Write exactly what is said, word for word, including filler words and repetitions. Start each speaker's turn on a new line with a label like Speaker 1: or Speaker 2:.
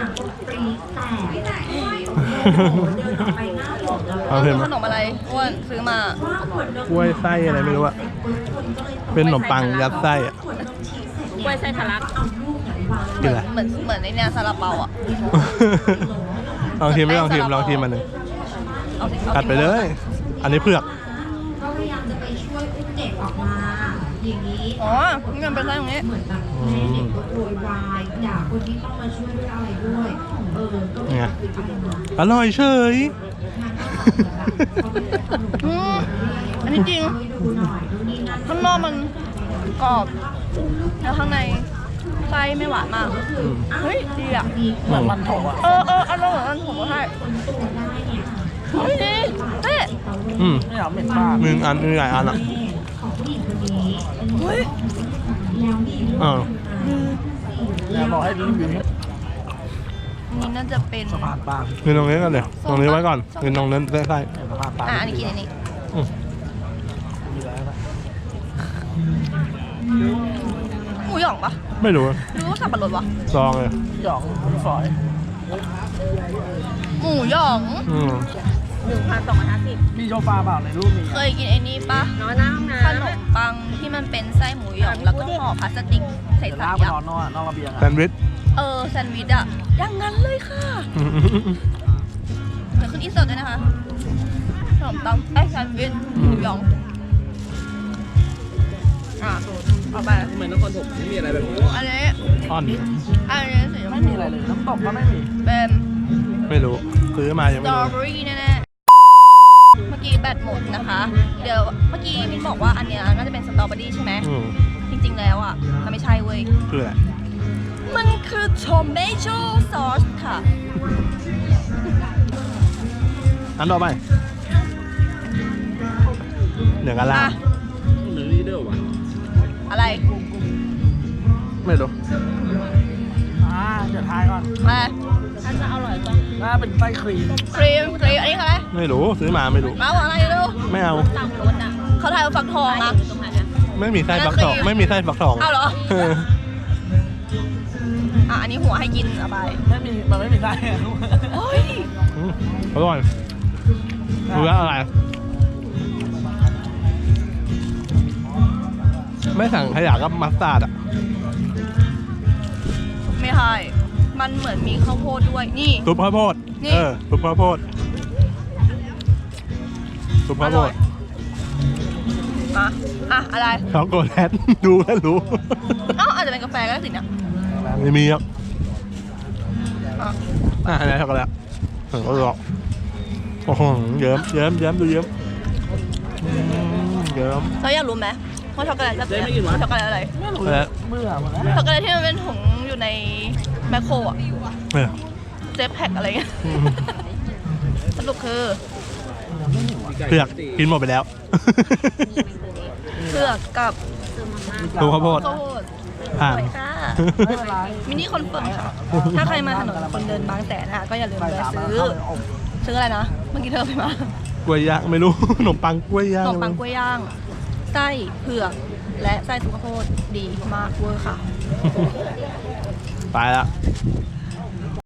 Speaker 1: ปรีแตกเดินออกไปหน้าหลง
Speaker 2: เอาเห็นไหม
Speaker 3: ขนมอะไรอ้วนซื้อมา
Speaker 2: กล้วยไส้อะไรไม่รู้อะเป็นขนมปังยัดไส้อะ
Speaker 3: กล้วยไส้ทะลัก
Speaker 2: กินอะไร
Speaker 3: เหมือนเหมือนในเนี่ยซาลาเปาอ่ะ
Speaker 2: ลองชิมลองชิมลองชิมมันหนึ่ง
Speaker 3: เอาสิเอา
Speaker 2: กัดไปเลย อันนี้เผือก
Speaker 1: ก็พยายามจะไปช่วยอุ้มเด็กออกมาอย่างนี้
Speaker 3: อ๋อนี่มันเป็นไส้ตรงนี้
Speaker 1: เหมือนแบบแม่เด็กก็โวยวายด่าคนที่ต้องมาช่วยด้วยอะไรด้วยเออก็ไม่
Speaker 2: ไง
Speaker 1: ได้อะไรนะ
Speaker 2: อร่อยเฉย
Speaker 3: อืมอันนี้จริง
Speaker 1: ให้ดูหน่อยดูนี่นั่น
Speaker 3: ข้างนอกมันกรอบ แล้วข้างในไส้ไม่หวานมาก เฮ้ยดีอ่ะ
Speaker 2: เหมือน
Speaker 4: มันโถอ่ะ
Speaker 3: เออเอออร่อยเหมือนกันผมก็ให้เฮ้ยดีเฮ้ย
Speaker 2: อืม
Speaker 4: ไม่เอาเหม็นมาก
Speaker 2: หนึ่งอันมีหลายอันอ่ะ
Speaker 1: ของผู้หญิงคนนี้
Speaker 3: เฮ้ย
Speaker 1: แล้วมี
Speaker 2: เออ
Speaker 4: แล้วบอกให้รีวิวให้
Speaker 3: อันนี้น่าจะเป็น
Speaker 4: สะพานปาง
Speaker 2: กินตรงนี้กันเดี๋ยวตรงนี้ไว้ก่อนกินตรงนั้นไส้
Speaker 4: สะพานปาง
Speaker 3: อ่ะอันนี้กินอันนี้
Speaker 2: ๆอืม
Speaker 4: มีแล้วนะ
Speaker 3: หมูหยองปะ
Speaker 2: ไม่รู้
Speaker 3: หรือว่าสับปะรดวะ
Speaker 2: ลองเลย
Speaker 4: หยองฝอย
Speaker 3: หมูหยอง
Speaker 2: อืม
Speaker 3: หนึ่งพันสองร้อยห้าสิบ
Speaker 4: มีโชฟาเปล่าในรูปมี
Speaker 3: เคยกินไอ้นี่ปะ
Speaker 5: นอนหน้าห้องน้
Speaker 3: ขนมปังที่มันเป็นไส้หมูหยองแล้วก็ห่อพลาสติกใส่
Speaker 4: เดี๋ยว
Speaker 3: ใส่
Speaker 4: ลากไป
Speaker 3: อะ
Speaker 4: นอนนอกนอกระเบียง
Speaker 2: แซ
Speaker 4: อ่ะ
Speaker 2: นด์วิช
Speaker 3: เออแซนด์วิชอะอย่างนั้นเลยค่ะเดี๋ยวขึ้นอินเสิร์ตด้วยนะคะขนมปังไอ้ยแซนด์วิชหมูหยองอ่ะเอาไป
Speaker 4: เหมือนนครถมไม่มีอะไรแบบนี้
Speaker 3: อันนี้
Speaker 2: อ่อน
Speaker 3: อันนี้สีชม
Speaker 4: ไม่
Speaker 3: พู
Speaker 4: มีอะไรเลยน้ำตกก็ไม่มี
Speaker 3: เป็น
Speaker 2: ไม่รู้ซื้อมายัง
Speaker 3: ส
Speaker 2: ไม่
Speaker 3: ตรอ
Speaker 2: รู้
Speaker 3: เบอรี่แน่ๆเมื่อกี้แบตหมดนะคะ เดี๋ยวเมื่อกี้มิ้นบอกว่าอันเนี้ยน่าจะเป็นสตรอเบอรี่ใช่ไหม
Speaker 2: อืม
Speaker 3: จริงๆแล้วอ่ะมันไม่ใช่เว้ย
Speaker 2: คืออะไร
Speaker 3: มันคือโทเมโต้ซอสค่ะ
Speaker 2: อันต่อไปเหนือกันล่า
Speaker 3: อ่ะ
Speaker 4: หรือลีเดอร์วะ
Speaker 3: อะไร
Speaker 2: ไม่รู้
Speaker 4: อ่าเดี๋ยวทายก่อน
Speaker 3: อะไร
Speaker 5: ถ้าจะอร่อยก็
Speaker 4: น่าเป็นไส้ครีม
Speaker 3: ครีมครีมอันนี้คืออะไร
Speaker 2: ไม่รู้ซื้อมาไม่รู้
Speaker 3: เอาอะไรดู
Speaker 2: ไม่เอา
Speaker 5: ตามรถอ่ะ
Speaker 3: เขาทายว่าฟักทองอ่ะ
Speaker 5: อยู่ตรงไหนอ่ะ
Speaker 2: ไม่มีไส้ฟักทอง
Speaker 3: นั่นคือ
Speaker 2: ไม่มีไส้ฟักทอง
Speaker 3: เอาเหรอ
Speaker 2: เออ
Speaker 3: อ่ะอันนี้หัวให้กินเอาไป
Speaker 4: ไม่มีมันไม่มีไส้อะลูก
Speaker 3: เฮ้ย
Speaker 2: อืมอร่อยรู้แล้วอะไร ไม่สั่งขยะกับมัสตาร์ดอ่ะ
Speaker 3: ไม่ใช่มันเหมือนมีข้าวโพดด้วยนี่
Speaker 2: ซุปข้าวโพด
Speaker 3: นี่
Speaker 2: เออซุปข้าวโพดซุปข้าวโพด
Speaker 3: อ่ะอ่ะอะไร
Speaker 2: ช็อกโกแลต ดูแล้วรู้
Speaker 3: เอ้าอาจจะเป็นกาแฟก็ได้สิเนี่ย
Speaker 2: ไม่มีครับ
Speaker 3: อ่ะ
Speaker 2: อ่ะอันนี้ช็อกโกแลตถึงก็รอโอ้โหเยิ้มเยิ้มเยิ้มดูเยิ้มอืมเยิ้ม
Speaker 3: เราอยากรู้ไหมว่าช็อกโกแลตแบบเนี้ยช็อกโกแลตอะไร
Speaker 4: ไม่รู้
Speaker 2: แล้ว
Speaker 4: เบื่อหมดแล้ว
Speaker 3: ช็อกโกแลตที่มันเป็นถุงอยู่ในแมคโครอ่ะ
Speaker 2: เนี่ย
Speaker 3: เซฟแพ็คอะไรเงี้ย
Speaker 2: อืม
Speaker 3: สรุปคือ
Speaker 2: เผือกกินหมดไปแล้ว
Speaker 3: เผือกกับ
Speaker 2: ดูข้าวโพด
Speaker 3: ข้าวโพด
Speaker 2: ผ่าน
Speaker 3: สวยค่ะ
Speaker 4: ไม่เป็นไร
Speaker 3: มินิคอนเฟิร์มค่ะ ถ้าใครมาถนนคนเดินบางแสนนะคะก็อย่าลืม
Speaker 4: ไป
Speaker 3: แวะ
Speaker 4: ตามมา
Speaker 3: ซื้อ
Speaker 4: เข้าไปอบ
Speaker 3: ซื้ออะไรนะ เมื่อกี้เธอไปมาก
Speaker 2: ล้วยย่างไม่รู้ ขนมปังกล้วยย่า
Speaker 3: ข
Speaker 2: ง
Speaker 3: นมปังกล้วยย่าง ไส้เผือก และไส้ซุปข้าวโพดดีมากเวอร์ค่ะ
Speaker 2: ไปละ
Speaker 3: บ